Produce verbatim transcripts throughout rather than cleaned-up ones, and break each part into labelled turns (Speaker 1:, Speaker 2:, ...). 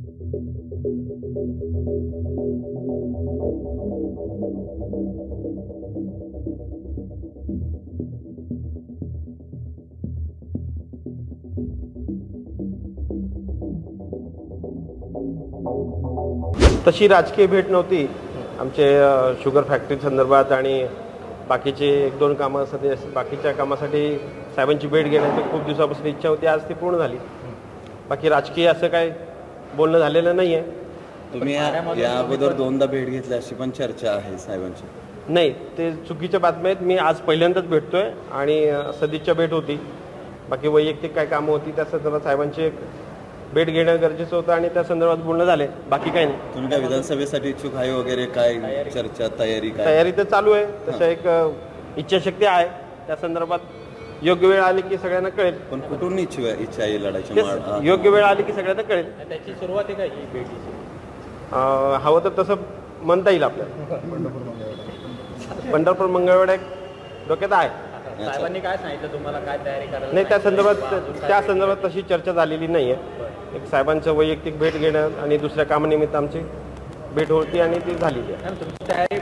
Speaker 1: तशी राजकीय भेट नव्हती आमचे शुगर फॅक्टरी संदर्भात आणि बाकीचे एक दोन कामासाठी बाकीच्या कामासाठी साहेबांची भेट घेण्याची खूप दिवसापासून इच्छा होती. आज ती पूर्ण झाली. बाकी राजकीय असं काय बोलणं झालेलं नाही आहे.
Speaker 2: तुम्ही या अगोदर दोनदा भेट घेतली अशी पण चर्चा आहे साहेबांची.
Speaker 1: नाही, ते चुकीच्या बातम्या आहेत. मी आज पहिल्यांदाच भेटतोय आणि सदिच्छा भेट होती. बाकी वैयक्तिक काय कामं होती त्या संदर्भात साहेबांची भेट घेणं गरजेचं होतं आणि त्या संदर्भात बोलणं झाले. बाकी काही नाही.
Speaker 2: तुम्ही काय विधानसभेसाठी इच्छुक आहे वगैरे काय चर्चा तयारी काय?
Speaker 1: तयारी तर चालू आहे. तसं एक इच्छाशक्ती आहे. त्या संदर्भात योग्य वेळ आली की सगळ्यांना कळेल.
Speaker 2: पण कुठून इच्छा इच्छा आहे लढायची?
Speaker 1: योग्य वेळ आली की सगळ्यांना कळेल.
Speaker 3: त्याची सुरुवात आहे का ही भेटीची?
Speaker 1: हवं तर तसं म्हणता येईल आपल्याला. पंढरपूर मंगळवेढा एक डोक्यात आहे.
Speaker 3: साहेबांनी काय सांगितलं तुम्हाला, काय तयारी करायला?
Speaker 1: नाही, त्या संदर्भात त्या संदर्भात तशी चर्चा झालेली नाही आहे. एक साहेबांचं वैयक्तिक भेट घेणं आणि दुसऱ्या कामानिमित्त आमची भेट होती आणि ती झालेली आहे.
Speaker 3: तुमची तयारी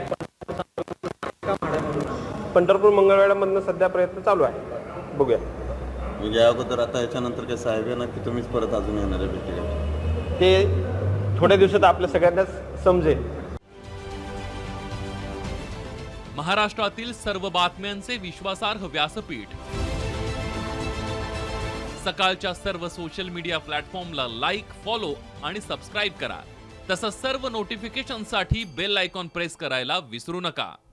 Speaker 1: पंढरपूर मंगळवेढ्यामधनं सध्या प्रयत्न चालू आहे. बघूया.
Speaker 2: म्हणजे या अगोदर आता याच्यानंतर काय साहेब येणार की तुम्हीच परत अजून येणार आहे भेटीला?
Speaker 1: ते थोड्या दिवसात आपल्या सगळ्यांनाच समजेल.
Speaker 4: महाराष्ट्रातील सर्व बातम्यांचे विश्वासार्ह व्यासपीठ सकाळच्या सर्व सोशल मीडिया प्लॅटफॉर्मला लाईक, फॉलो आणि सबस्क्राईब करा. तसंच सर्व नोटिफिकेशनसाठी बेल आयकॉन प्रेस करायला विसरू नका.